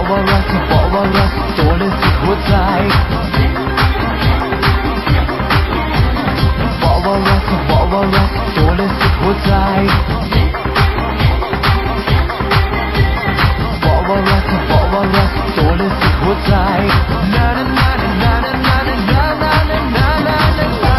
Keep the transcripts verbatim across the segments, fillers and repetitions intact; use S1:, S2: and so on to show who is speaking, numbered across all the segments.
S1: ว่ารักเธอบอกว่ารักตัวและสุดหัวใจบอกว่ารักเธอบอกว่ารักตัวและสุดหัวใจบอกว่ารักเธอบอกว่ารักตัวและสุดหัวใจนานานานานานานานานานานานา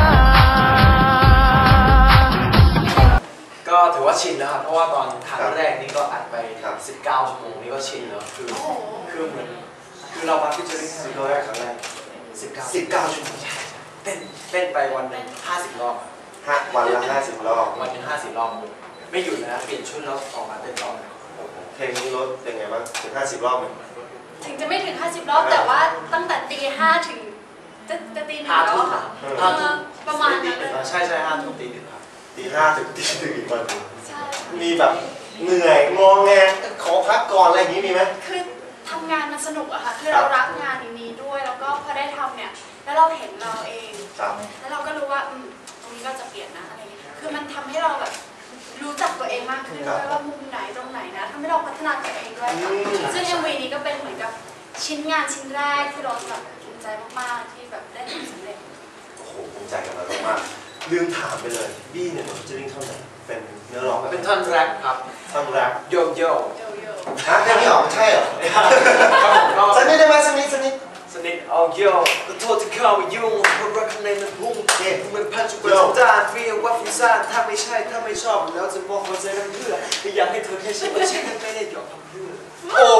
S2: ก็ถือว่าชินแล้วครับเพราะว่าตอนครั้งแรกนี่ก็อัดไปสิบเก้าชั่วโมงนี่ก็ชินแล้วคือคือเหมือนคือเรามาพิจารณาสิบร้อยครั้งแรกสิบเก้าสิบเก้าชั่วโมงเต้นเต้นไปวันหนึ่งห้าสิบรอบ
S3: ฮะวันละห้าสิบรอบ
S2: วันหนึ่งห้าสิบรอบไม่หยุดนะเปลี่ยนชุดแล้วออกมาเต้นต่อ
S3: เพลงนี้ลดยังไงบ้างถึงห้าสิบรอบไหม
S4: ถึงจะไม่ถึงห้าสิบรอบแต่ว่าตั้งแต่ตีห้าถึงจะจะตีหนึ่งแล้วค่ะประมาณนั้นเลย
S2: ใช่ใช่ห้าทุ่มตีหนึ่งครับ
S3: ตีห้าถึงตีหนึ่งอีกวันมีแบบเหนื่อยงอแงขอพักก่อนอะไรอย่างนี้มีไหม
S4: คือทำงานมันสนุกอะค่ะคือเรารักงานนี้ด้วยแล้วก็พอได้ทำเนี่ยแล้วเราเห็นเราเองแล้วเราก็รู้ว่าตรงนี้เราจะเปลี่ยนนะอะไรอย่างเงี้ยคือมันทำให้เราแบบรู้จักตัวเองมากขึ้นด้วยว่ามุมไหนตรงไหนนะทำให้เราพัฒนาตัวเองด้วยซึ่ง เอ็ม วี นี้ก็เป็นเหมือนกับชิ้นงานชิ้นแรกที่เราแบบภูมิใจมากๆที่แบบได้ทำสำเร็จ
S3: โอ้โหภูมิใจกับเรามากลืมถามไปเลยบี้เนี่ยมันจะวิ่งเท่าไหร่เป็นเนื้อร้อง
S2: เป็นท่อนแรปครับ
S3: ท่อนแรป
S2: โยโย่
S3: ฮะแค่นี้หรอใช่เหรอสนิทได้ไหมสนิทสนิท
S2: สนิทเอาโย่ก็โทษที่เข้ามายุ่งเพราะรักข้างในมันพุ่งมันพันจุกจุกด้านเรียกว่าฟุ้งซ่านถ้าไม่ใช่ถ้าไม่ชอบแล้วจะบอกหัวใจน้ำเพื่อไม่อยากให้เธอแค่เชื่อว่าฉันไม่ได้หยอกทำเพื่อ
S3: โอ้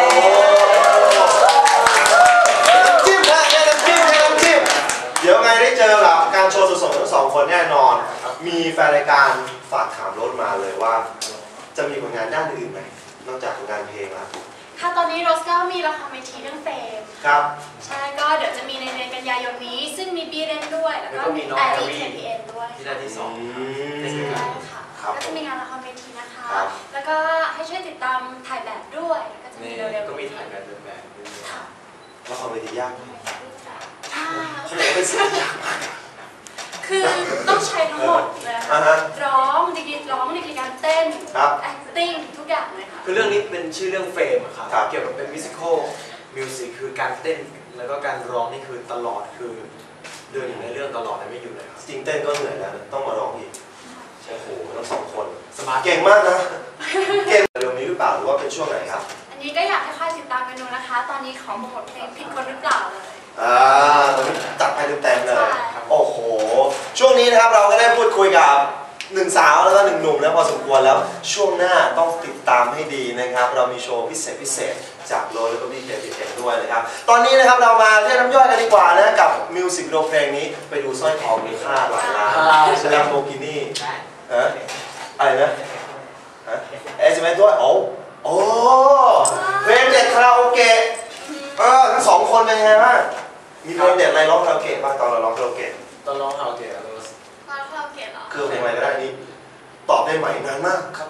S3: จิ้มนะแค่น้ำจิ้มแค่น้ำจิ้มเดี๋ยวไงได้เจอกับการโชว์สดๆทั้งสองคนแน่นอนมีแฟนรายการฝากถามรถมาเลยว่าจะมีผลงานด้านอื่นไหมนอกจากผลงานเพลงแล้ว
S4: ค่ะตอนนี้โรสก็มีละครเวทีเรื่องเฟม
S3: ครับ
S4: ใช่ก็เดี๋ยวจะมีในเดือนกันยายนนี้ซึ่งมีบีเรนด้วยแล้วก็มีแอรีเคพีเอ็นด้วย
S2: ที่ได้ที่สอง
S4: ใช่ค่ะก็จะมีงานละครเวทีนะคะแล้วก็ให้ช่วยติดตามถ่ายแบบด้วยก็จะมีเร็วๆ
S2: ก็มีถ่ายแบบเดินแบบ
S3: ละครเวทียากไหม
S4: ใช่
S3: เขาบอกเป็นสิ่งยากมาก
S4: คือต้องใช้ทั้งหมดเลยร้องดีกีร้องดีกีการเต้น acting ทุกอย่างเลยค่ะ
S2: คือเรื่องนี้เป็นชื่อเรื่องเฟมอะครับเกี่ยวกับเป็นมิวสิควลมิวสิกคือการเต้นแล้วก็การร้องนี่คือตลอดคือเดินอยู่ในเรื่องตลอดไม่หยุดเลยครับ
S3: จริงเต้นก็เหนื่อยแล้วต้องมาร้องอีกโอ้โหทั้งสองคนสมาร์ทเก่งมากนะเก่งเร็วนี้หรือเปล่าหรือว่าเป็นช่วงไหนครับ
S4: อันนี้ก็อยากให้ค่อยติดตามกันดูนะคะตอนนี้ขอโปรโมทเพลงผิดคนหรือเปล่าเลย
S3: อ่าตอนนี้จัดไปเต็มๆเลยโอ้โหช่วงนี้นะครับเราก็ได้พูดคุยกับหนึ่งสาวแล้วก็หนึ่งหนุ่มแล้วพอสมควรแล้วช่วงหน้าต้องติดตามให้ดีนะครับเรามีโชว์พิเศษพิเศษจากโรแล้วก็พี่เคพีเอ็มด้วยนะครับตอนนี้นะครับเรามาเรียกน้ำย่อยกันดีกว่านะกับมิวสิกวิดีโอเพลงนี้ไปดูสร้อยคอมีค่าหลายล้านแลมโบกินี่ฮะอะไรนะฮะเอสเอ็มเอสด้วยโอ้โอ้เพลงเด็ดคาราโอเกะเออทั้งสองคนเป็นยังไงบ้างมีเพลงเด็ดอะไรร้องคาราโอเกะบ้างตอนเราร้องคาราโอเกะ
S2: ตอนร้องคาราโอเกะ
S4: ร้องคาราโอเกะเหรอ
S3: คือเพลงอะไรก็ได้นี่ตอบได้ไหมนานมากครับ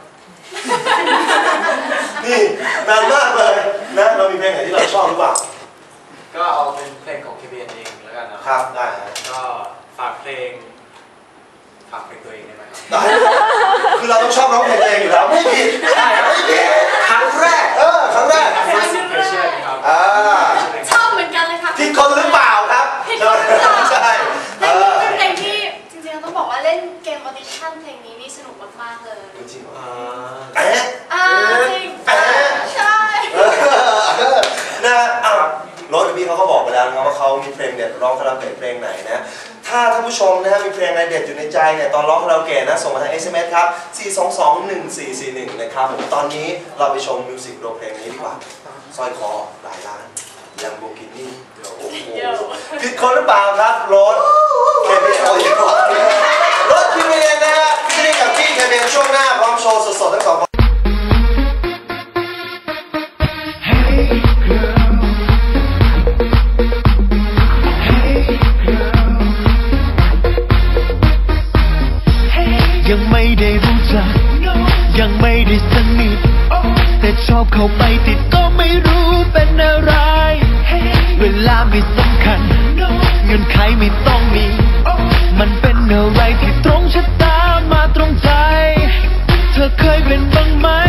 S3: นี่นานมากเลยนะเรามีเพลงไหนที่เราชอบหรือเปล่า
S2: ก็เอาเป็นเพลงของ เค พี เอ็น เองแล้วกัน
S3: นะครับได้
S2: ก็ฝากเพลงฝากเพลงตัวเองได้ไหมครับ
S3: ได้คือเราต้องชอบร้องเพลงเองอยู่แล้วไม่ผิดไม่ผิด
S2: ครั้งแรก
S3: เออครั้งแรก
S2: ครับ
S4: ชอบเหมือนกันเลยค่ะ
S3: ผิดคนหรือเปล่าครับใช่
S4: เป็นเพลงที่จริงๆต้องบอกว่าเล่นเกมออดิชั่นเพลงนี้นี่สนุกมากๆเลย
S3: จริง
S4: ๆ
S3: อ่า
S4: เอ๊ะอ่าจริงใช่
S3: นะอ่ะรถพี่เขาก็บอกไปแล้วนะว่าเขามีเพลงเด็ดร้องคาราโอเกะเพลงไหนนะถ้าท่านผู้ชมนะฮะมีเพลงอะไรเด็ดอยู่ในใจเนี่ยตอนร้องคาราโอเกะนะส่งมาทาง เอส เอ็ม เอส ครับสี่ สอง สอง หนึ่ง สี่ สี่ หนึ่งนะครับผมตอนนี้เราไปชมมิวสิกวิดีโอเพลงนี้ดีกว่าสร้อยคอหลายล้านลัมโบกินี่โอ้โหผิดคนหรือเปล่าครับรถเคเบียนเอาอย่างก่อนรถพี่เมียนนะฮะพี่นี่กับพี่เคเบียนช่วงหน้าพร้อมโชว์สดๆทั้งสอง
S1: ยังไม่ได้รู้จักยังไม่ได้สนิทแต่ชอบเข้าไปติดก็ไม่รู้เป็นอะไรเวลาไม่สำคัญเงื่อนไขไม่ต้องมีมันเป็นอะไรที่ตรงชะตามาตรงใจเธอเคยเป็นบ้างไหม